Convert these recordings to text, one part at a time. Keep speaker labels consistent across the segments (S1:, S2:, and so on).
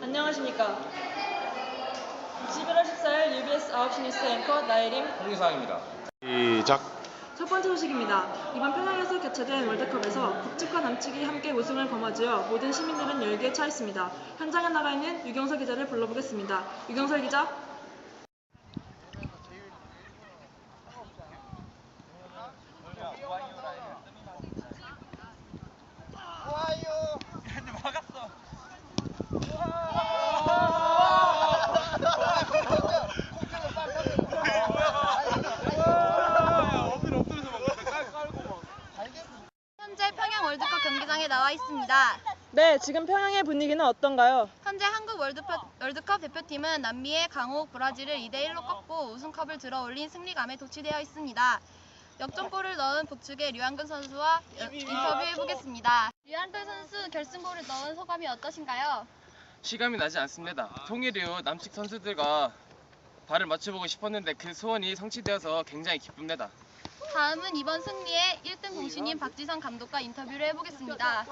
S1: 안녕하십니까. 11월 14일 UBS 9시 뉴스 앵커 나혜림
S2: 홍기상입니다. 시작.
S1: 첫 번째 소식입니다. 이번 평양에서 개최된 월드컵에서 북측과 남측이 함께 우승을 거머쥐어 모든 시민들은 열기에 차 있습니다. 현장에 나가 있는 유경설 기자를 불러보겠습니다. 유경설 기자.
S3: 현재 평양 월드컵 경기장에 나와 있습니다.
S1: 네, 지금 평양의 분위기는 어떤가요?
S3: 현재 한국 월드컵 대표팀은 남미의 강호 브라질을 2대1로 꺾고 우승컵을 들어올린 승리감에 도취되어 있습니다. 역전골을 넣은 북측의 류한근 선수와 인터뷰해보겠습니다. 류한근 선수 결승골을 넣은 소감이 어떠신가요?
S4: 실감이 나지 않습니다. 통일 이후 남측 선수들과 발을 맞춰보고 싶었는데 그 소원이 성취되어서 굉장히 기쁩니다.
S3: 다음은 이번 승리의 1등 공신인 박지성 감독과 인터뷰를 해보겠습니다.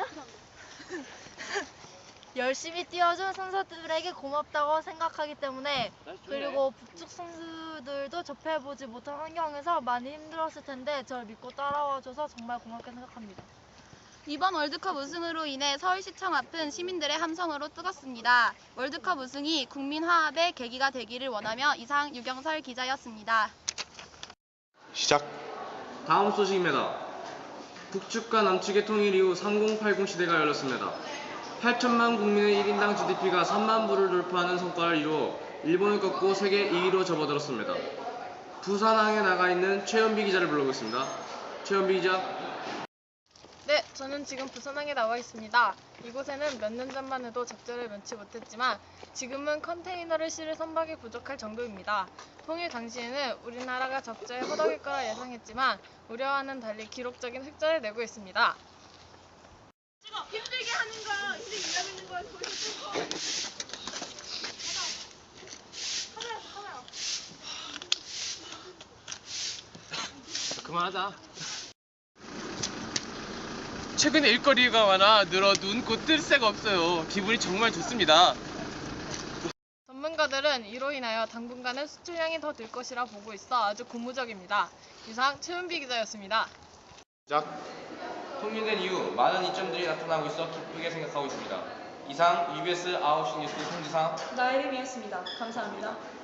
S5: 열심히 뛰어준 선수들에게 고맙다고 생각하기 때문에, 그리고 북측 선수들도 접해보지 못한 환경에서 많이 힘들었을 텐데 저를 믿고 따라와줘서 정말 고맙게 생각합니다.
S3: 이번 월드컵 우승으로 인해 서울시청 앞은 시민들의 함성으로 뜨겁습니다. 월드컵 우승이 국민 화합의 계기가 되기를 원하며 이상 유경설 기자였습니다.
S2: 시작.
S6: 다음 소식입니다. 북측과 남측의 통일 이후 3080 시대가 열렸습니다. 8천만 국민의 1인당 GDP가 3만 불을 돌파하는 성과를 이루어 일본을 꺾고 세계 2위로 접어들었습니다. 부산항에 나가 있는 최연비 기자를 불러보겠습니다. 최연비 기자.
S7: 네, 저는 지금 부산항에 나와 있습니다. 이곳에는 몇 년 전만 해도 적자를 면치 못했지만 지금은 컨테이너를 실을 선박이 부족할 정도입니다. 통일 당시에는 우리나라가 적자에 허덕일 거라 예상했지만 우려와는 달리 기록적인 흑자를 내고 있습니다.
S1: 힘들게 하는 거, 힘들게 일하고 있는 거 보여주고.
S4: 그만하자. 최근에 일거리가 많아 늘어 눈코 뜰 새가 없어요. 기분이 정말 좋습니다.
S7: 전문가들은 이로 인하여 당분간은 수출량이 더 늘 것이라 보고 있어 아주 고무적입니다. 이상 최은비 기자였습니다.
S2: 시작.
S6: 통일된 이후 많은 이점들이 나타나고 있어 기쁘게 생각하고 있습니다. 이상 UBS 9시 뉴스 홍지상
S1: 나혜림이었습니다. 감사합니다.